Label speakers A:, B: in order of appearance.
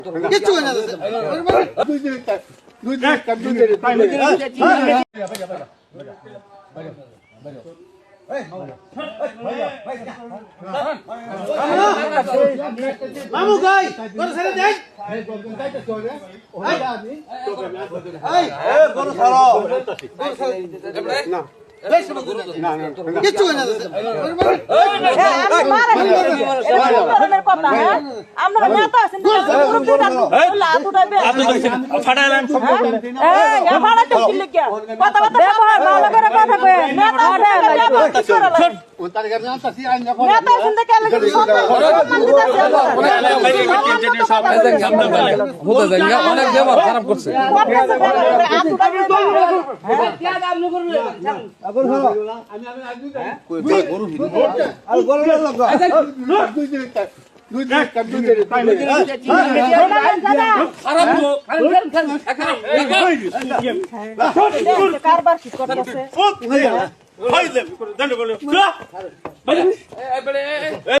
A: কিচ্ছু হয় না মামু গাই তোর ছেড়ে দেন গরু ছাড়ো না কিচ্ছু হয় না
B: আমরা নেতা আছেন
C: ফাটাইলাম
B: কথা ভালো করে কথা কয় নেতা আছেন দেখে
C: অনেক ব্যবহার খারাপ করছে
B: কারবার কি করতেছে